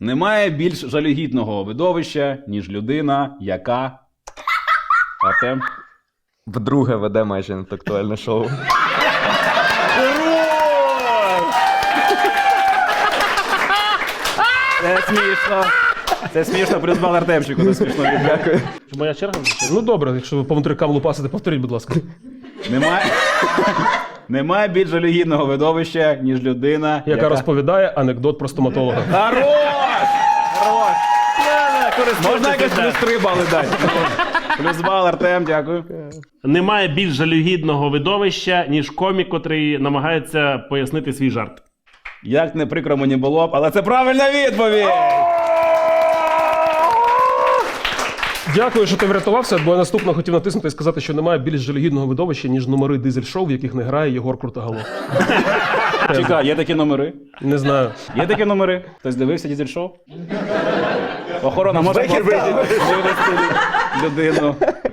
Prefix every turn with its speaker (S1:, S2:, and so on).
S1: Немає більш жалюгідного видовища, ніж людина, яка... Артем?
S2: Вдруге веде майже інтелектуальне шоу.
S1: Це смішно. Це смішно, плюс бал Артемчику, це смішно. Дякую.
S3: Моя черга? Ну добре, якщо ви по материкам лупасите, повторіть, будь ласка.
S1: Немає більш жалюгідного видовища, ніж людина,
S3: Яка розповідає анекдот про стоматолога.
S1: Хорош! Можна якось плюс 3 бали дати? Плюс бал, Артем, дякую.
S4: Немає більш жалюгідного видовища, ніж комік, котрий намагається пояснити свій жарт.
S1: Як не прикро мені було б, але це правильна відповідь!
S3: Дякую, що ти врятувався, бо я наступно хотів натиснути і сказати, що немає більш жалюгідного видовища, ніж номери дизель-шоу, в яких не грає Єгор Крутоголов.
S1: Чекай, є такі номери?
S3: Не знаю.
S1: Є такі номери? Хтось дивився дізель-шоу? Охорона може вивести людину.